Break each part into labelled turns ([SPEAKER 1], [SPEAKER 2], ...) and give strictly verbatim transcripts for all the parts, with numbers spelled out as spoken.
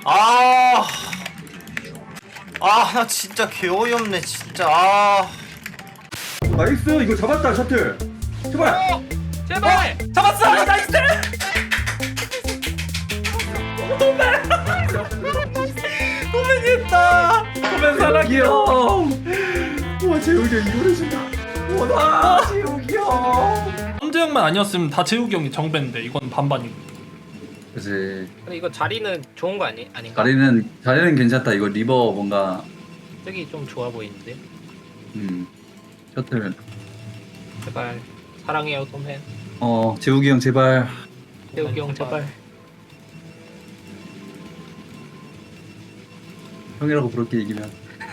[SPEAKER 1] 아, 아, 나 진짜 개 어이없네, 진짜. 아,
[SPEAKER 2] 나이스 이거 잡았다 셔틀 제발.
[SPEAKER 3] 어! 제발!
[SPEAKER 1] 잡았어, 나이스. 도맨이었다. 도맨 사랑해요.
[SPEAKER 2] 와 재욱이 형 이거를 준다. 와나 재욱이 형.
[SPEAKER 3] 함재형만 아니었으면 다 재욱이 형이 정배인데 이건 반반이고.
[SPEAKER 2] 그치.
[SPEAKER 4] 근데 이거 자리는 좋은 거 아니 아닌가?
[SPEAKER 2] 자리는 자리는 괜찮다. 이거 리버 뭔가
[SPEAKER 4] 저기 좀 좋아 보이는데.
[SPEAKER 2] 음 셔틀.
[SPEAKER 4] 제발 사랑해요 톰hen.
[SPEAKER 2] 어 재욱이 형 제발.
[SPEAKER 4] 태욱이 형 제발.
[SPEAKER 2] 형이라고 부를게 이기면.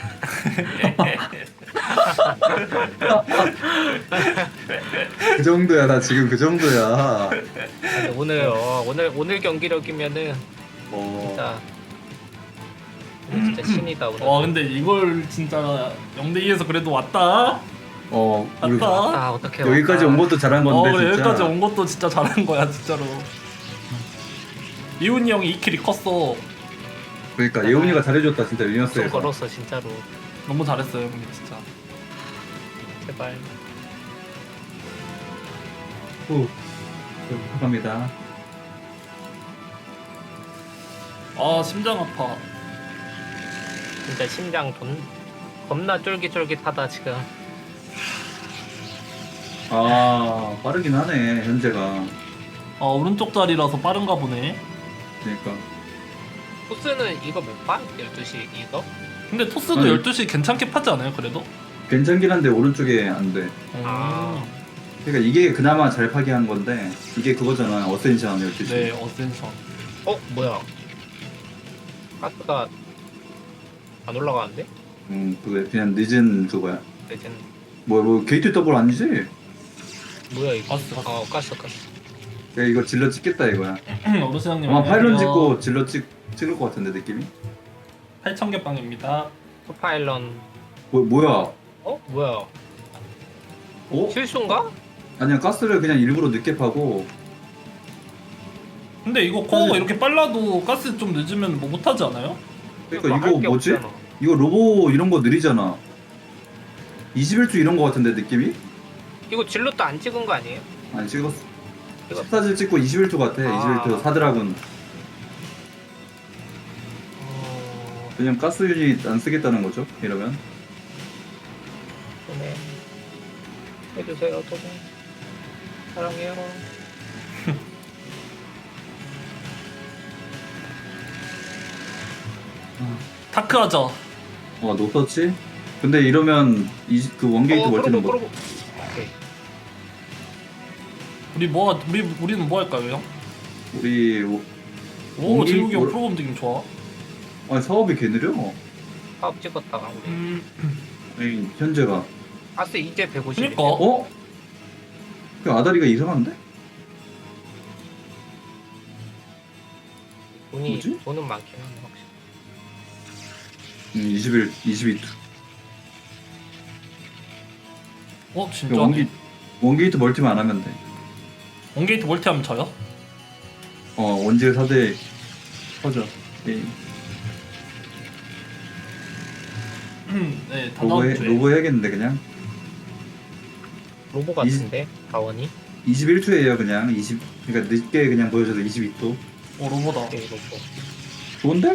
[SPEAKER 2] 그 정도야 나 지금 그 정도야.
[SPEAKER 4] 아니, 오늘 어, 오늘 오늘 경기력이면은
[SPEAKER 2] 어.
[SPEAKER 4] 진짜 오늘 진짜 신이다 오늘.
[SPEAKER 3] 와 근데 이걸 진짜 영 대 이에서 그래도 왔다.
[SPEAKER 2] 어 우리
[SPEAKER 3] 왔다.
[SPEAKER 4] 아 어떻게
[SPEAKER 2] 여기까지 온 것도 잘한
[SPEAKER 3] 어
[SPEAKER 2] 건데
[SPEAKER 3] 그래
[SPEAKER 2] 진짜.
[SPEAKER 3] 여기까지 온 것도 진짜 잘한 거야 진짜로. 이훈이 형이 이 킬이 컸어.
[SPEAKER 2] 그러니까 예훈이가 잘해줬다 진짜
[SPEAKER 4] 좀
[SPEAKER 2] 유니어스에서.
[SPEAKER 4] 걸었어 진짜로.
[SPEAKER 3] 너무 잘했어요 형님 진짜.
[SPEAKER 4] 제발.
[SPEAKER 2] 후. 감사합니다.
[SPEAKER 3] 아 심장 아파.
[SPEAKER 4] 진짜 심장 돈 겁나 쫄깃쫄깃하다 지금.
[SPEAKER 2] 아 빠르긴 하네 현재가.
[SPEAKER 3] 아 오른쪽 자리라서 빠른가 보네.
[SPEAKER 2] 그러니까.
[SPEAKER 4] 코스는 이거 못 봐? 열두 시 이거?
[SPEAKER 3] 근데 토스도
[SPEAKER 2] 아니.
[SPEAKER 3] 열두 시 괜찮게 파지 않아요 그래도?
[SPEAKER 2] 괜찮긴 한데 오른쪽에 안 돼.
[SPEAKER 4] 아.
[SPEAKER 2] 그러니까 이게 그나마 잘 파괴 한 건데 이게 그거잖아 어센션 열두 시.
[SPEAKER 3] 네 어센션.
[SPEAKER 4] 어 뭐야? 가스가 안 올라가는데?
[SPEAKER 2] 음 그게 그냥 늦은 그거야.
[SPEAKER 4] 레전
[SPEAKER 2] 뭐 뭐 게이트 더블 아니지?
[SPEAKER 4] 뭐야 이거?
[SPEAKER 3] 가스 가스.
[SPEAKER 4] 어 가스 가스.
[SPEAKER 2] 야 이거 질러 찍겠다 이거야.
[SPEAKER 3] 어르스 형님
[SPEAKER 2] 아마 파일런
[SPEAKER 3] 안녕하세요.
[SPEAKER 2] 찍고 질러 찍 찍을 것 같은데 느낌이?
[SPEAKER 3] 팔천 개 빵입니다.
[SPEAKER 4] 토파일런.
[SPEAKER 2] 뭐 뭐야?
[SPEAKER 4] 어 뭐야?
[SPEAKER 2] 어?
[SPEAKER 4] 실수인가?
[SPEAKER 2] 아니야 가스를 그냥 일부러 늦게 파고.
[SPEAKER 3] 근데 이거 코어가
[SPEAKER 2] 사실-
[SPEAKER 3] 이렇게 빨라도 가스 좀 늦으면 뭐 못하지 않아요?
[SPEAKER 2] 그러니까
[SPEAKER 4] 할
[SPEAKER 2] 이거
[SPEAKER 4] 게
[SPEAKER 2] 뭐지?
[SPEAKER 4] 없잖아.
[SPEAKER 2] 이거 로보 이런 거 느리잖아. 이십일 주 이런 거 같은데 느낌이?
[SPEAKER 4] 이거 질럿도 안 찍은 거 아니에요?
[SPEAKER 2] 아니 찍었어.
[SPEAKER 4] 이거-
[SPEAKER 2] 십사 질 찍고 이십일 주 같아.
[SPEAKER 4] 아.
[SPEAKER 2] 이십일 주 사드라군.
[SPEAKER 4] 어...
[SPEAKER 2] 그냥 가스 유닛 안 쓰겠다는 거죠? 이러면.
[SPEAKER 4] 네. 해주세요 토네. 사랑해요.
[SPEAKER 3] 다크 하자.
[SPEAKER 2] 어 노터치? 근데 이러면 이, 그 원게이트
[SPEAKER 4] 어,
[SPEAKER 2] 멀티는
[SPEAKER 4] 그러고,
[SPEAKER 2] 뭐?
[SPEAKER 4] 그러고. 오케이.
[SPEAKER 3] 우리 뭐 하- 우리 우리는 뭐 할까요 형?
[SPEAKER 2] 우리 오-
[SPEAKER 3] 오
[SPEAKER 2] 원기-
[SPEAKER 3] 재욱이 형
[SPEAKER 2] 뭘-
[SPEAKER 3] 프로 움직임 좋아.
[SPEAKER 2] 아니 사업이 개 느려.
[SPEAKER 4] 사업 찍었다가 우리.
[SPEAKER 3] 음
[SPEAKER 2] 아니 현재가.
[SPEAKER 4] 가스 이제 백오십.
[SPEAKER 3] 그니까.
[SPEAKER 2] 어? 그 아다리가 이상한데?
[SPEAKER 4] 돈이
[SPEAKER 2] 뭐지?
[SPEAKER 4] 돈은 많긴 하네 확실히.
[SPEAKER 2] 음, 이십일, 이십이 주.
[SPEAKER 3] 어 진짜.
[SPEAKER 2] 원기 원게이트 멀티만 안 하면 돼.
[SPEAKER 3] 원게이트 멀티하면 져요?
[SPEAKER 2] 어 원질 사 대 터져. 게임.
[SPEAKER 3] 네, 다
[SPEAKER 2] 로보 해,
[SPEAKER 3] 다음 주에.
[SPEAKER 2] 로보 해야겠는데 그냥.
[SPEAKER 4] 로보 같은데 다원이.
[SPEAKER 2] 이십일 주에요 그냥. 이십 그러니까 늦게 그냥 보여줘도 이십이 주.
[SPEAKER 3] 어 로보다.
[SPEAKER 4] 오케이 로보.
[SPEAKER 2] 좋은데?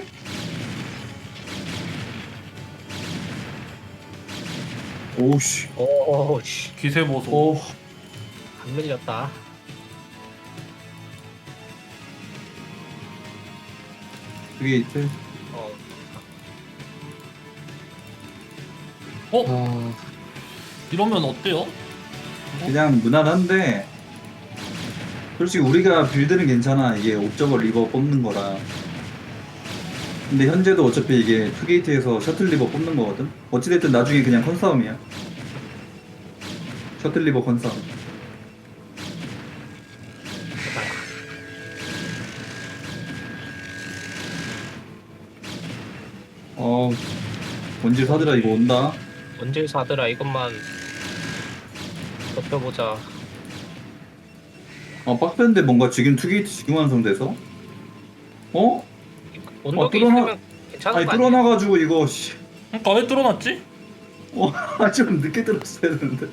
[SPEAKER 2] 오우씨.
[SPEAKER 4] 오씨
[SPEAKER 3] 기세 보소.
[SPEAKER 2] 오.
[SPEAKER 4] 안 밀렸다.
[SPEAKER 2] 그게 있대.
[SPEAKER 4] 어
[SPEAKER 3] 어
[SPEAKER 2] 아,
[SPEAKER 3] 이러면 어때요?
[SPEAKER 2] 그냥 무난한데. 솔직히 우리가 빌드는 괜찮아. 이게 옵저버 리버 뽑는 거라. 근데 현재도 어차피 이게 투게이트에서 셔틀 리버 뽑는 거거든? 어찌됐든 나중에 그냥 컨싸움이야. 셔틀 리버 컨싸움. 어, 원질 사드라 이거 온다.
[SPEAKER 4] 원질 사드라 이것만 덮여보자.
[SPEAKER 2] 어, 빡센데 뭔가 지금 투게이트 지금 완성돼서? 어?
[SPEAKER 4] 언덕이
[SPEAKER 2] 뚫어놔-
[SPEAKER 4] 있으면 괜찮은
[SPEAKER 2] 아니
[SPEAKER 4] 거 아니야?
[SPEAKER 2] 뚫어놔가지고 이거 씨.
[SPEAKER 3] 그러니까 왜 뚫어놨지?
[SPEAKER 2] 어, 좀 늦게 들었어야 되는데.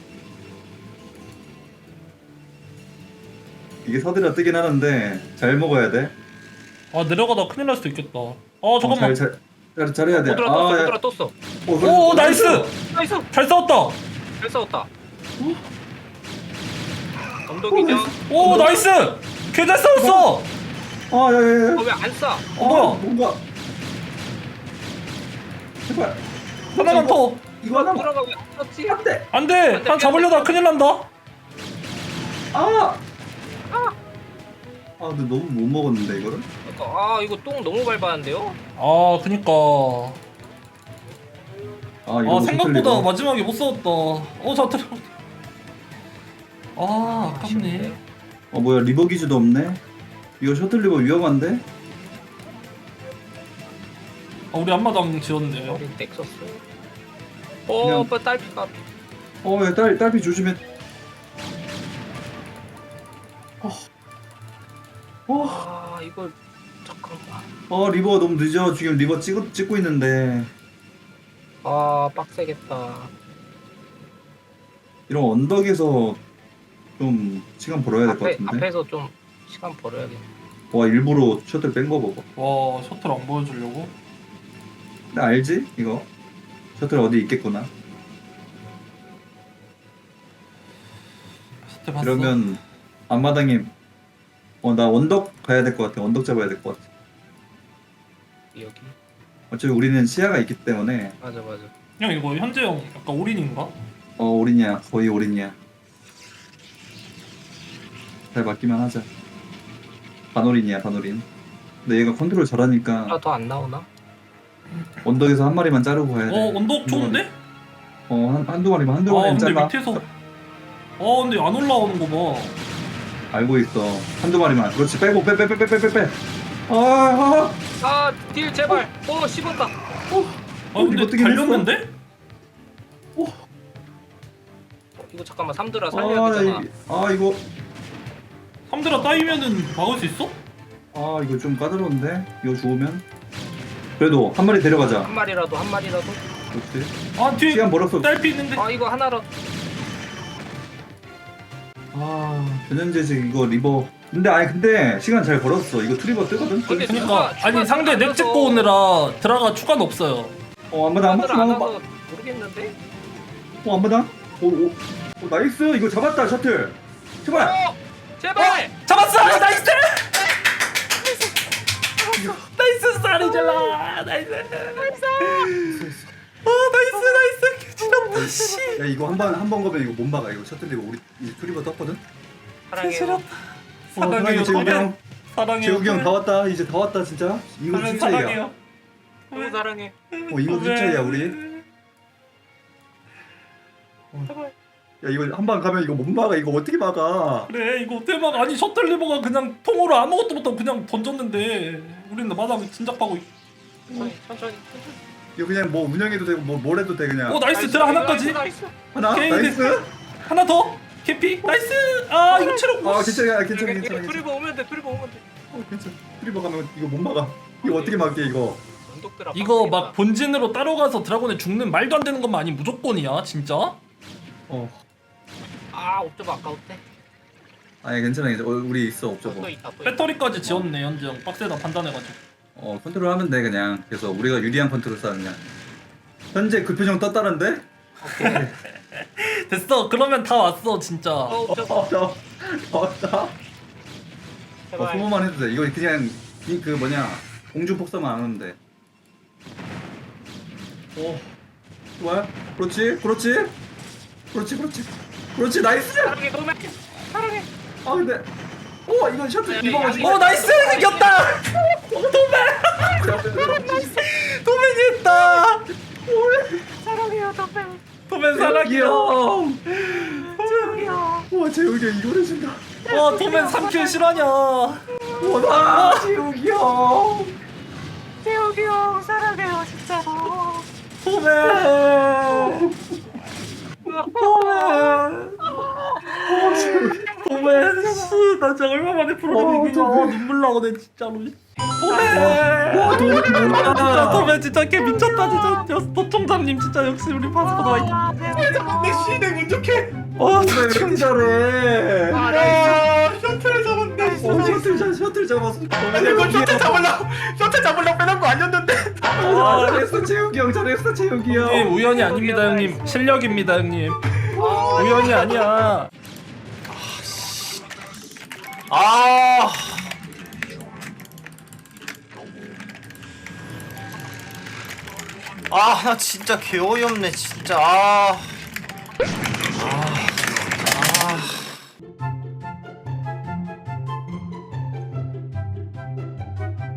[SPEAKER 2] 이게 서들어 뜨긴 하는데 잘 먹어야 돼.
[SPEAKER 3] 아 내려가다 큰일 날 수도 있겠다. 아
[SPEAKER 2] 어,
[SPEAKER 3] 잠깐만.
[SPEAKER 2] 잘, 잘, 잘, 잘해야 돼.
[SPEAKER 4] 오드라 떴어
[SPEAKER 2] 야.
[SPEAKER 4] 오드라 떴어.
[SPEAKER 2] 어, 그래,
[SPEAKER 3] 오
[SPEAKER 2] 어,
[SPEAKER 3] 나이스.
[SPEAKER 4] 나이스.
[SPEAKER 3] 잘 싸웠다.
[SPEAKER 4] 잘 싸웠다. 언덕이죠?
[SPEAKER 3] 오 나이스. 개 잘 싸웠어.
[SPEAKER 2] 아, 야, 야, 야.
[SPEAKER 4] 어 왜 안 싸?
[SPEAKER 3] 어 뭐야?
[SPEAKER 2] 뭔가. 제발.
[SPEAKER 3] 하나만 더.
[SPEAKER 2] 이거 하나만.
[SPEAKER 4] 들어가 왜안 떴지?
[SPEAKER 2] 안 돼.
[SPEAKER 3] 안돼. 한 잡으려다 큰일 난다.
[SPEAKER 2] 아. 아, 근데 너무 못 먹었는데 이거를.
[SPEAKER 4] 그러니까, 아 이거 똥 너무 밟았는데요?
[SPEAKER 3] 아 그니까.
[SPEAKER 2] 아, 이거
[SPEAKER 3] 아 생각보다
[SPEAKER 2] 셔틀리버.
[SPEAKER 3] 마지막에 못 싸웠다. 어자 들어. 아 아깝네.
[SPEAKER 2] 어, 뭐야 리버 기지도 없네. 이거 셔틀리버 위험한데?
[SPEAKER 3] 아 우리 앞마당 지었는데요.
[SPEAKER 4] 우리 넥서스.
[SPEAKER 2] 그냥-
[SPEAKER 4] 어 오빠 딸피가.
[SPEAKER 2] 어, 야, 딸 딸피 조심해. 어. 어.
[SPEAKER 4] 아 이거 잠깐만.
[SPEAKER 2] 어, 리버 너무 늦어. 지금 리버 찍고 찍고 있는데.
[SPEAKER 4] 아 빡세겠다.
[SPEAKER 2] 이런 언덕에서 좀 시간 벌어야 될 것
[SPEAKER 4] 앞에
[SPEAKER 2] 같은데.
[SPEAKER 4] 앞에서 좀 시간 벌어야겠네.
[SPEAKER 2] 와, 일부러 셔틀 뺀 거 봐봐.
[SPEAKER 3] 와 셔틀 안 보여주려고.
[SPEAKER 2] 나 알지? 이거 셔틀 어디 있겠구나.
[SPEAKER 3] 셔틀 봤어.
[SPEAKER 2] 그러면 앞마당에 어, 나 언덕 가야 될 것 같아. 언덕 잡아야 될 것 같아.
[SPEAKER 4] 여기.
[SPEAKER 2] 어차피 우리는 시야가 있기 때문에.
[SPEAKER 4] 맞아 맞아.
[SPEAKER 3] 형 이거 현재형 약간 올인인가?
[SPEAKER 2] 어, 올인이야. 거의 올인이야. 잘 맞기만 하자. 반올인이야, 반올인. 근데 얘가 컨트롤 잘하니까
[SPEAKER 4] 아 더 안 나오나?
[SPEAKER 2] 언덕에서 한 마리만 자르고 가야 돼.
[SPEAKER 3] 어 언덕 좋은데?
[SPEAKER 2] 어, 한, 한두 마리만, 한두
[SPEAKER 3] 아
[SPEAKER 2] 마리만
[SPEAKER 3] 근데
[SPEAKER 2] 잘라.
[SPEAKER 3] 밑에서. 어 근데 안 올라오는 거 봐.
[SPEAKER 2] 알고 있어. 한두 마리만. 그렇지. 빼고, 빼, 빼, 빼, 빼, 빼, 빼, 빼. 아, 아.
[SPEAKER 4] 아딜 제발. 오 씹었다.
[SPEAKER 3] 아
[SPEAKER 2] 어,
[SPEAKER 3] 근데
[SPEAKER 2] 이거 뜨긴
[SPEAKER 3] 달렸는데?
[SPEAKER 4] 어, 이거 잠깐만 삼드라
[SPEAKER 2] 아,
[SPEAKER 4] 살려야
[SPEAKER 2] 나
[SPEAKER 4] 되잖아.
[SPEAKER 2] 이, 아, 이거.
[SPEAKER 3] 삼드라 따이면은 막을 수 있어?
[SPEAKER 2] 아, 이거 좀 까다로운데? 이거 죽으면? 그래도 한 마리 데려가자.
[SPEAKER 4] 한 마리라도 한 마리라도.
[SPEAKER 2] 그렇지.
[SPEAKER 3] 아 뒤에
[SPEAKER 2] 시간 벌었어.
[SPEAKER 3] 딸피 있는데.
[SPEAKER 4] 아 이거 하나라도.
[SPEAKER 2] 아, 변현재지 이거 리버. 근데 아니 근데 시간 잘 벌었어. 이거 트리버 뜨거든.
[SPEAKER 4] 근데
[SPEAKER 3] 그러니까
[SPEAKER 4] 추가- 추가
[SPEAKER 3] 아니 상대
[SPEAKER 4] 안
[SPEAKER 3] 넥
[SPEAKER 4] 넣어서-
[SPEAKER 3] 찍고 오느라 드라가 추가는 없어요.
[SPEAKER 2] 어, 안마당,
[SPEAKER 4] 삼드라 안
[SPEAKER 2] 안마당,
[SPEAKER 4] 와서 모르겠는데.
[SPEAKER 2] 어, 안마당. 오, 오, 오, 나이스. 이거 잡았다 셔틀. 제발.
[SPEAKER 4] 어 제발.
[SPEAKER 3] 잡았어! 나이스! 나이스 쌀이잖아! 나이스! 아 나이스 나이스! 개지렸다 씨!
[SPEAKER 2] 야, 이거 한 번 한 번 거면 이거 못 막아. 이거 셔틀 리버 우리 이 트리버 떴거든.
[SPEAKER 4] 사랑해요.
[SPEAKER 3] 개지렸다.
[SPEAKER 2] 어,
[SPEAKER 3] 사랑해요
[SPEAKER 2] 사랑해 재욱이
[SPEAKER 3] 도맨.
[SPEAKER 2] 형.
[SPEAKER 3] 사랑해요
[SPEAKER 2] 재욱이 형
[SPEAKER 3] 도맨.
[SPEAKER 2] 다 왔다. 이제 다 왔다 진짜. 이거
[SPEAKER 3] 도맨
[SPEAKER 2] 진짜 이야.
[SPEAKER 3] 사랑해요.
[SPEAKER 4] 너무 사랑해.
[SPEAKER 2] 어, 이거 진짜 이야 우리.
[SPEAKER 4] 제발.
[SPEAKER 2] 야, 이거 한 방 가면 이거 못 막아. 이거 어떻게 막아?
[SPEAKER 3] 그래 이거 대박 아니 셔틀 리버가 그냥 통으로 아무것도 못하고 그냥 던졌는데 우리는 마당 진작하고 있...
[SPEAKER 4] 천천히 천천히. 천천히.
[SPEAKER 2] 이거 그냥 뭐 운영해도 되고 뭐 뭘 해도 돼 그냥.
[SPEAKER 3] 오 나이스 드라 하나까지
[SPEAKER 4] 나이스.
[SPEAKER 2] 하나?
[SPEAKER 3] 오케이,
[SPEAKER 2] 나이스.
[SPEAKER 3] 하나 더 캐피 나이스 아 이거 체력
[SPEAKER 2] 아, 괜찮아. 괜찮아.
[SPEAKER 4] 이거
[SPEAKER 2] 괜찮아. 괜찮아.
[SPEAKER 4] 트리버 오면 돼. 트리버 오면 돼.
[SPEAKER 2] 어, 괜찮아. 트리버 가면 이거 못 막아. 이거 어떻게 막게 이거?
[SPEAKER 4] 언덕들아.
[SPEAKER 3] 이거 막 본진으로 따라가서 드라곤에 죽는 말도 안 되는 것만 아니 무조건이야 진짜
[SPEAKER 2] 어.
[SPEAKER 4] 아 옵저버 아까웠대.
[SPEAKER 2] 아니 괜찮아. 괜찮아. 어, 우리 있어 없죠
[SPEAKER 4] 또
[SPEAKER 2] 뭐.
[SPEAKER 4] 있다 또 있다.
[SPEAKER 3] 배터리까지 지었네 현재형 빡세다 판단해가지고
[SPEAKER 2] 어, 컨트롤 하면 돼 그냥. 그래서 우리가 유리한 컨트롤 쌓 그냥. 현재 그 표정 떴다는데?
[SPEAKER 3] 됐어 그러면 다 왔어 진짜
[SPEAKER 4] 어
[SPEAKER 2] 어,
[SPEAKER 4] 옵저버.
[SPEAKER 2] 어, 어, 어, 어,
[SPEAKER 4] 제발.
[SPEAKER 2] 소모만 해도 돼. 이거 그냥 이 그 뭐냐 공중 폭사만 안 하면 돼. 오, 좋아요. 그렇지, 그렇지, 그렇지, 그렇지, 그렇지. 나이스.
[SPEAKER 4] 사랑해 도매. 사랑해.
[SPEAKER 2] 아 근데, 오 이건 셔틀
[SPEAKER 4] 네,
[SPEAKER 2] 이거
[SPEAKER 4] 아니,
[SPEAKER 3] 오 나이스 이겼다 도맨 도맨이 했다
[SPEAKER 4] 사랑해요 도매.
[SPEAKER 3] 도맨 사랑해요
[SPEAKER 2] 형.
[SPEAKER 4] 사랑해요.
[SPEAKER 2] 와 재욱이 형 이걸 해준다.
[SPEAKER 3] 와 도맨 삼 킬 실화냐
[SPEAKER 2] 와나 재욱이 형.
[SPEAKER 4] 재욱이 형 사랑해요 진짜로.
[SPEAKER 3] 도맨 도맨 도맨 아씨 나 진짜 얼마만에 프로그램 이기냐. 아, 눈물 나오네 진짜로. 도매. 진짜 도매 진짜 걔 미쳤다 진짜. 여- 도청장님 진짜 역시 우리 파스포드 화이팅.
[SPEAKER 1] 내 시댁 운 좋게.
[SPEAKER 3] 와
[SPEAKER 2] 왜 이렇게 잘해?
[SPEAKER 1] 아 셔틀 잡았네.
[SPEAKER 2] 어, 셔틀 잡 셔틀 잡았어.
[SPEAKER 1] 아니 이거 셔틀 잡으려고 셔틀 잡으려고 빼놓은 거 아니었는데.
[SPEAKER 2] 아, 잘했어 재욱이 형, 잘했어 재욱이 형.
[SPEAKER 3] 형님 우연이 아닙니다 형님. 실력입니다 형님. 우연이 아니야.
[SPEAKER 1] 아. 아, 나 진짜 개 어이없네, 진짜. 아.